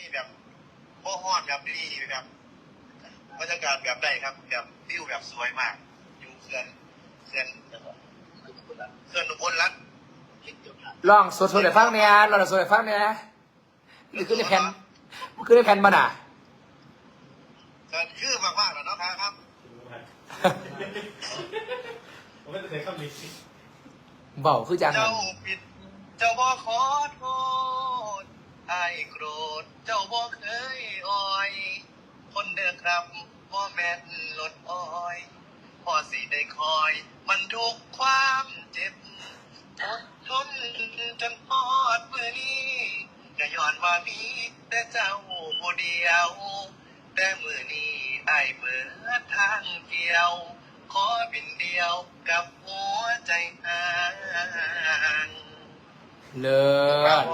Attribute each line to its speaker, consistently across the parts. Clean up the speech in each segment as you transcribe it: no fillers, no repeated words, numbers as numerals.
Speaker 1: แบบพ่อฮอดแบบดีแบบบรรยากาศแบบใดครับแบบวิวแบบสวยมากอยู่เขื่อนอุบลรัตน์
Speaker 2: ลองสดๆให้ฟังเนี่ยลองสดๆให้ฟังเนี่ยนี่คือในแผ่นมันคือในแผ่นมันอ่ะ
Speaker 1: ก็คือมากๆแล้วเนาะครับ
Speaker 3: ผมไม่เคยเข้าลิฟต์
Speaker 2: เบาคือจัง
Speaker 1: เจ้าผิดเจ้าบ่ขอโทษไอ้โกรธเจ้าบ่เคยอ่อย คนเด้อครับบ่แม่นลดอ้อยพอสิได้คอย มันทุกความเจ็บอดทนจนพอดมือนี้ก็ย้อนว่ามีแต่เจ้าผู้เดียว แต่มือนี้ไอ้เบิดทางเกี่ยว ขอบินเดียวกับหัวใจห่าง
Speaker 2: เลิศ
Speaker 1: ครับผม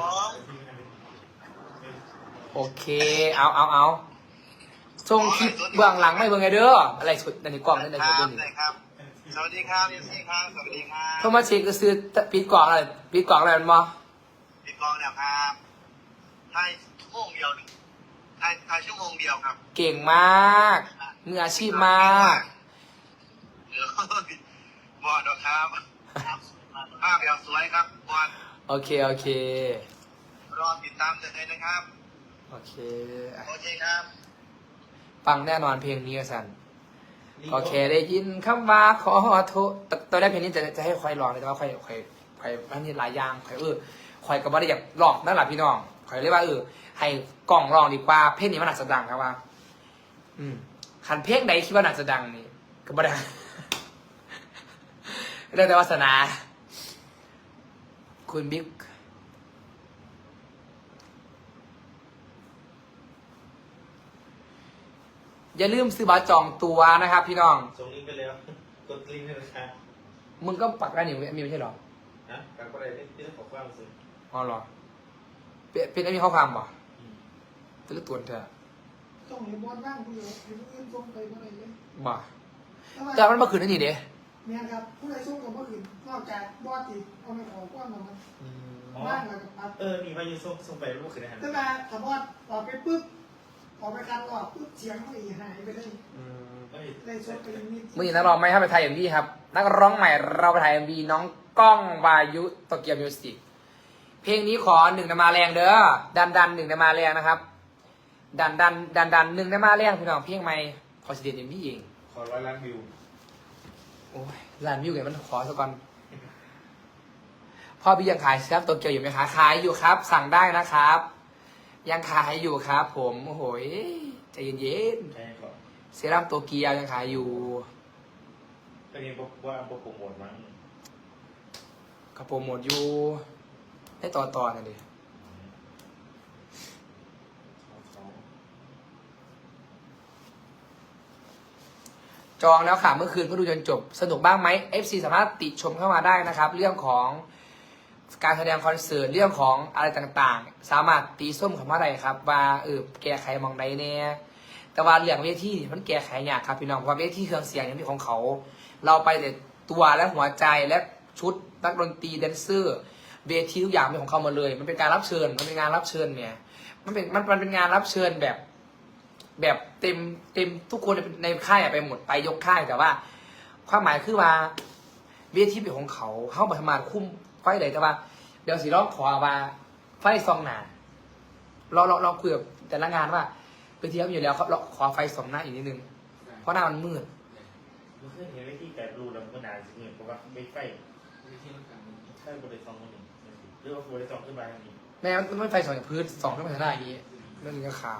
Speaker 2: โอเคเอาส่งคลิปเบื้องหลังไม่เบื้องไงเด้ออะไรสุดในกล่องนั่นใน
Speaker 1: ค
Speaker 2: สุด
Speaker 1: รับ
Speaker 2: นี่
Speaker 1: ได้ครับ สวัสดีครับเอฟซีครับ สวัสดีครับ
Speaker 2: โทรมาเช็คก็ซื้อปิดกล่องอะไรปิดกล่องอะไรมันบ่
Speaker 1: พี่กองเนี่ยครับถ่ายชั่วโมงเดียวหนึ่งถ่ายชั่วโมงเดียวครับ
Speaker 2: เก่งมากมืออาชีพมาก
Speaker 1: เดี๋ยวบอดครับภาพแบบสวยครับบอด
Speaker 2: โอเค
Speaker 1: รอติดตามเลยนะครับ
Speaker 2: โอเค
Speaker 1: โอเคครับ
Speaker 2: ฟังแน่นอนเพลงนี้สันก็แค่ได้ยินคำว่าขอโทษตอนแรกเพลงนี้จะให้คอยร้องเลยแต่ว่าคอยอันนี้หลายอย่างคอยก็ไม่ได้อยากร้องนั่นแหละพี่น้องคอยเรียกว่าให้กล่องร้องดีกว่าเพลงนี้มันหนักจะดังครับว่าขันเพลงใดคิดว่าหนักจะดังนี่ก็ไม่ได้ เรื่องแต่วาสนา คุณบิ๊กอย่าลืมซื้อบัตรจองตัวนะครับพี่น้อง
Speaker 3: ส่งลิงก์ไปแล้วกดลิงก์ให้ราคา
Speaker 2: มึงก็ปักได้นี่มีไม่ใช่หรอ
Speaker 3: นะการก็ได้ที่ต้องขอความซื้อ
Speaker 2: อ๋อเหรอเป็นไอ้มีข้อความบ่จะเลือกตัวเธอ
Speaker 4: ส่งให้บอสบ้างผู้เดียวให้ผู้อื่นส่งไปเมื่อไหร่เลย
Speaker 2: บ่แต่มันมาคืนนั่นนี่เด้
Speaker 4: เนี่ยครับผู้ใดส่งกับผู้อื่นนอกจากบอสที่เอาไปขอความของมันบ้างแล้วกับปั๊บ
Speaker 3: มีวายุส่งไปรูปคือได้หัน
Speaker 4: แต่มาถ้าบอสออกไปปุ๊บออกไปคันออกปุ๊บเสียงมันหายไปเลยเลยส่งไปนิด
Speaker 2: มื่อนี้นักร้องไม่ให้ไปถ่ายเอ็มวีครับนักร้องใหม่เราไปถ่ายเอ็มวีน้องก้องวายุโตเกียวมิวสิกเพลงนี้ขอ1นะมาแรงเด้อดัน1นะมาแรงนะครับดัน1นะมาแรงพี่น้องเพลงใหม่ขอสิเดนเอ็มวีเอง
Speaker 3: ขอ100 ล้านวิว
Speaker 2: โอ้ยล้านวิวไงมันขอสักก่อนพ่อพี่ยังขายครับโตเกียวอยู่ไหมคะขายอยู่ครับ สั่งได้นะครับ ยังขายอยู่ครับ ผมโอ้โหใจเย็น
Speaker 3: ใช่ก่อน
Speaker 2: ๆเซรั่มโตเกียวยังขายอยู่
Speaker 3: ตอนนี้บอกว่าบอกโปรโมทมั้ง
Speaker 2: กระโปรงหมดอยู่ให้ต่อนั่นดิจองแล้วค่ะเมื่อคืนก็ดูจนจบสนุกบ้างไหม FC สามารถติชมเข้ามาได้นะครับ เรื่องของการแสดงคอนเสิร์ตเรื่องของอะไรต่างๆ สามารถตีส้มเข้ามาได้ครับว่าแก้ไขมองใดเนี่ยแต่ว่าเรื่องเวทีมันแก้ไขยากครับพี่น้องเพราะว่าเวทีเครื่องเสียงอย่างที่ของเขา เราไปแต่ตัวและหัวใจและชุดนักดนตรีแดนเซอร์เวทีทุกอย่างเป็นของเขาหมดเลย มันเป็นการรับเชิญมันเป็นงานรับเชิญเนี่ยมันเป็นงานรับเชิญแบบเต็มทุกคนในค่ายไปหมดไปยกค่ายแต่ว่า ความหมายคือว่าเวทีเป็นของเขาเข้ามาทำงานคุ้มไฟเลยแต่ว่าเดี๋ยวสิร้องขอว่าไฟซองหนาเราคุยกับแต่ละงานว่าเวทีเขาอยู่แล้วเขาขอไฟสองหน้าอีกนิดนึงเพราะหน้ามันมืด
Speaker 3: มันเคยเห็นวิธีการรูแล้วมันก็นานสิเงินเพราะว่าไม่ไฟใช่บริษัทคนหนึ่งหรือว่าบริษัทขึ้นมาทางนี้
Speaker 2: แม่มันไม่ไฟสองจากพื้นสองขึ้นมาทางหน้าอย่างนี้เรื่องนี้ก็ข่าว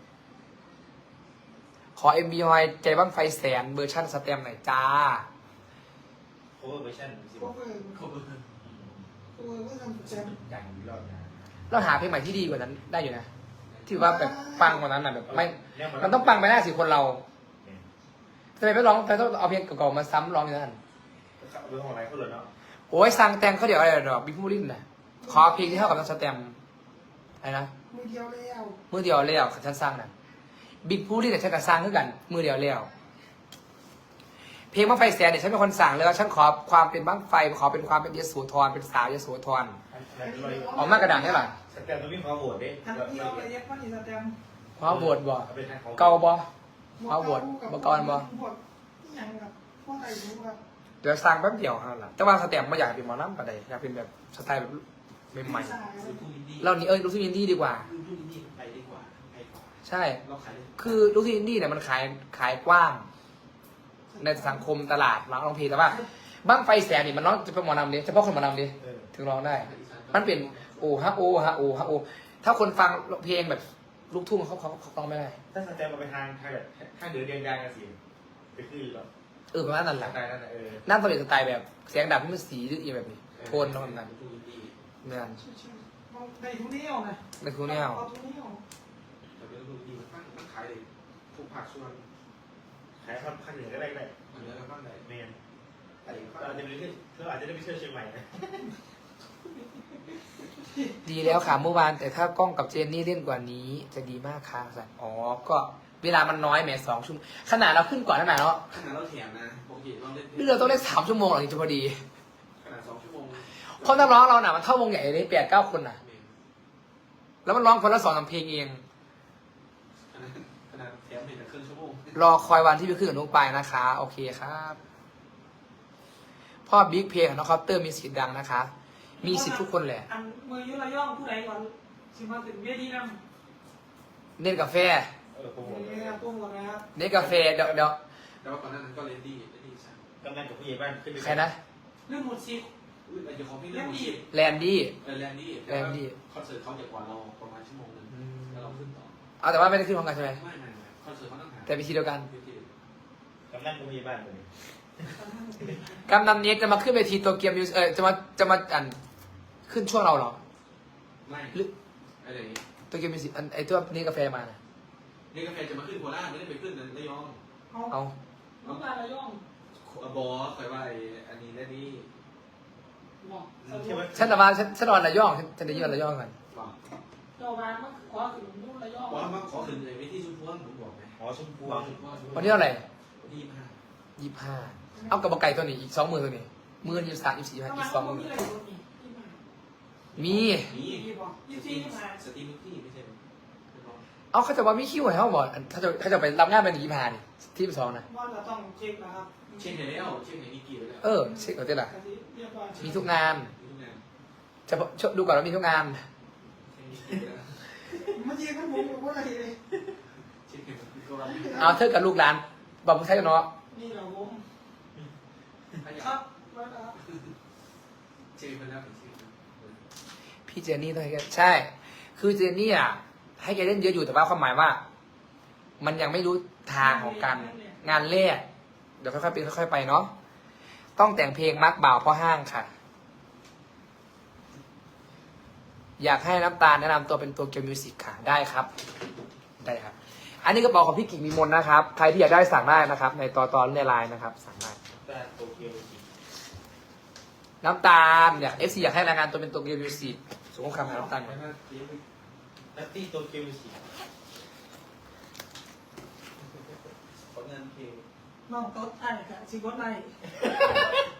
Speaker 2: ขอ MB ฮอยใจบ้างไฟแสนเวอร์ชั่นสเต็มหน่อยจ้า
Speaker 3: โคเวอร์เวอร์ชันสิ
Speaker 4: พวกเออก็ทำแจม
Speaker 3: อย่างนี้รอบนะ
Speaker 2: เราหาเพลงใหม่ที่ดีกว่านั้นได้อยู่นะ ที่ว่าแบบปังกว่านั้นแบบไม่มันต้องปังไปหน้าสิคนเราทำไมไม่ร้องทำไมต้องเอาเพลงเก่าๆมาซ้ำร้องอย่างนั้น
Speaker 3: เรื่องของอะไรเขาเลยเนาะ
Speaker 2: โอ้ยสั่งแต่งเขาเดี๋ยวอะไรดอกบิ๊กมูรินนะขอเพลงที่เท่ากับน้องสเต็มอะไรนะ
Speaker 4: มือเดียวแล้ว
Speaker 2: มือเดียวเลี้ยวฉันสร้างนะบิ๊กมูรินเนี่ยฉันก็สร้างขึ้นกัน มือเดียวเลี้ยวเพลงบ้างไฟแสนเนี่ยฉันเป็นคนสั่งเลยว่าฉันขอความเป็นบ้างไฟขอเป็นความเป็นยโสธรเป็นสาวยโสธรออกมากระดังได้ป่ะ
Speaker 3: สแตมตรงนี้ขอโหวตดิ
Speaker 4: ทำที่เอาไปเย็บมันอีสแตม
Speaker 2: ว้าวโบดบ่
Speaker 3: เอาไปทางของ
Speaker 2: เกาบ่ว้าวโบดบ่กอนบ่
Speaker 4: พวกยังกับพวกไอ้รู้ครับ
Speaker 2: เดี๋ยวสั่งแป๊บเดียวครับล่ะแต่ว่าสเต็ปไม่อยากเป็นหมอลำปะใดอยากเป็นแบบสไตล์แบบใหม่ๆเรานี่ลูกทุ่งอินดี้ดีกว่า
Speaker 5: ลูกทุ่งอินดี้ไปดีกว่าไปกว่า
Speaker 2: ใช่
Speaker 5: เราขายได้
Speaker 2: คือลูกทุ่งอินดี้เนี่ยมันขายกว้าง ในสังคมตลาดร้องเพลงแต่ว่าบ้างไฟแสนนี่มันร้องจะเป็นหมอลำดิเฉพาะคนหมอลำดิถึงร้องได้ มันเป็นโอฮะโอฮะโอฮะโอถ้าคนฟังเพลงแบบลูกทุ่งเขาร้องไม่ได้
Speaker 3: ถ้าสแตมมาไปทางแบบทางเหนือเดียงยางกันสิไปขึ้นหรอ
Speaker 2: ประมาณนั้นแห
Speaker 3: ส
Speaker 2: ละ
Speaker 3: ไตล์นั่นแหละ
Speaker 2: นั่นตอนเด็กสไตล์แบบเสียงดับที่มันสีหรืออีแบบนี้โทนแล้วมันนั้น
Speaker 5: ลูกทุ่งอินดี้
Speaker 2: เนื่อน
Speaker 4: ในทุนนี้เอานะ
Speaker 2: ในคูแนว
Speaker 4: เอาทุนนี้เอา
Speaker 5: แต่เป็นลูกทุ่งอินดี้มันขายเลยทุกภาคส่วน
Speaker 3: ขายข้างเหนือก็ได้ได้
Speaker 5: มันเหลือบ้างไหน
Speaker 3: เมน
Speaker 5: แต่อีก
Speaker 3: เราอาจจะไม่ได้เราอาจจะได้ไปเที่ยวเชียงใหม่นะ
Speaker 2: ดีแล้วค่ะเมื่อวานแต่ถ้ากล้องกับเจนนี่เล่นกว่านี้จะดีมากค่ะสัตว์อ๋อก็เวลามันน้อยแหม2 ชั่วโมงขนาดเราขึ้นก่อนขนาดเนาะ
Speaker 5: ขนาดเราแถมนะปกติเราเล่น
Speaker 2: นี่เราต้องเล่น3 ชั่วโมงหรอถึงจะพอดี
Speaker 5: ขนาด2 ชั่วโมง
Speaker 2: เพราะนักร้องเราน่ะมันเท่าวงใหญ่เลย8-9 คนน่ะ แล้วมันร้องคนละ2-3 เพลงเอง
Speaker 5: ขนาดแถมเป็นครึ่งชั่วโมง
Speaker 2: รอคอยวันที่ไปขึ้นกับนุ๊กไปายนะคะ โอเคครับ พ่อบิ๊กเพลงของน้องคอปเตอร์มีสิทธิ์ดังนะคะ มีสิทธิ์ทุกคนแหละ
Speaker 4: อันมือยุระย่องผู้ใดก่อนสิมาถึงเวทีนั่ง
Speaker 2: เน้นกาแฟ
Speaker 3: โปรโมท
Speaker 4: นี่ครับตุ้มก่อนนะครับ
Speaker 2: เน้นกาแฟเดี๋ยว
Speaker 5: แต่ว่าก่อนหน้านั้นก็เลดี้สั่ง
Speaker 3: กำนันกับผู้ใหญ่บ้านขึ้นไป
Speaker 2: ใครนะ
Speaker 4: เรื่องหมดสิทธิ์
Speaker 5: อุ้ยอาจจะของพี่เรื่องชีพ
Speaker 2: แลนดี้
Speaker 5: แลนดี้คอนเสิร์ตเขาจะกว่าเราประมาณชั่วโมงนึงแล้วเราขึ้นต่อ
Speaker 2: เอาแต่ว่าไม่ได้ขึ้นพร้อมกันใช่ไหม
Speaker 5: ไม่คอนเสิร์ตเขาต้องหา
Speaker 2: แต่ไปทีเดียวกัน
Speaker 3: กำนันกับผู้ใหญ่บ้านเลย
Speaker 2: กำนันเน็กจะมาขึ้นเวทีโตเกียวมิวสิจะมาอันขึ้นช่วงเราเหรอ
Speaker 5: ไม่
Speaker 2: หรือ
Speaker 5: อะไรอย่างนี้
Speaker 2: โตเกียวมิวสิไอตัวนี้กาแฟมาน่ะ
Speaker 5: นี่กาแฟจะมาขึ้นโคราชไม่ได้ไปขึ้นระยอง
Speaker 2: เอา
Speaker 4: น้ำตาระย่อง
Speaker 5: บอสคอยว่าอันนี้และนี่
Speaker 4: บอก
Speaker 2: ฉันนอนระยองฉันได้ยินระยองกัน
Speaker 5: บอก
Speaker 4: เจ้าบ้านมันขอถึงนู่นระย่อง
Speaker 5: ว่ามาขอขึ้นเลยไปที่ชุมพวงผมบอกไหม
Speaker 3: หอชมพู
Speaker 2: วันนี้เท่าไหร่
Speaker 5: ที่มา
Speaker 2: 25เอากระบอกไก่ตัวนี้อีก20,000ตัวนี้มือ23 24 25อีก
Speaker 4: มี
Speaker 2: 20,000
Speaker 4: อะไรอยู่นี่ที่มา
Speaker 2: มี
Speaker 5: นี่
Speaker 4: ที่บอกยี่สิบที่มา
Speaker 5: สตรีมที่ไม่ใช่
Speaker 2: เอาเขาจะว่ามีคิวให้เขาบอกเขาจะไปรับงานเป็น25นี่ที่2นะ
Speaker 4: ว่าเราต้องเช็คนะครับ
Speaker 5: เช็คไหนแล้วเช็คไหนมีกี่แล้ว
Speaker 2: เช็คก่อนเต้ล่ะ
Speaker 4: เรียบร้อย
Speaker 2: มีทุกงาน
Speaker 5: ทุกงาน
Speaker 2: จะดูก่อนว่ามีทุกงาน
Speaker 5: เ
Speaker 4: เมื่
Speaker 5: ช็คมีกี่แล้ว
Speaker 4: อกี้ก็ผมบอกว่าอะไรเลย
Speaker 5: เช็คไหนก็ว่า
Speaker 2: เอาเธอกับลูกหลานบอกมึงใช่เนาะ
Speaker 4: นี่เราผม
Speaker 5: ขยั
Speaker 4: ครับ บแล้วนะครับ
Speaker 5: เช็คไปแล้วเช็ค
Speaker 2: พี่เจนนี่ต้องให้แกใช่ คือเจนนี่อ่ะให้แกเล่นเยอะอยู่แต่ว่าความหมายว่า มันยังไม่รู้ทางของการงานแรกเดี๋ยวค่อยๆเป็นค่อยๆไปเนาะต้องแต่งเพลงมักบ่าวพ่อห้างค่ะ อยากให้น้ำตาลแนะนำตัวเป็นตัวเกียวมิวสิกค่ะได้ครับ ได้ครับ อันนี้กระเป๋าของพี่กิ่งมีมนนะครับ ใครที่อยากได้สั่งได้นะครับ ในตอนในไลน์นะครับ สั่งได้
Speaker 3: แต่โตเกียว
Speaker 2: น้ำตาลเนี่ย FC อยากให้รายงานตัวเป็นตัวเกียวมิวสิกส่งข้อความหาน้ำตาลก่อน
Speaker 3: นัตตี้โตเกียวสี
Speaker 5: ผลงานเพลง
Speaker 4: น้องโต๊ดไอ้ค่ะสิบวัดใน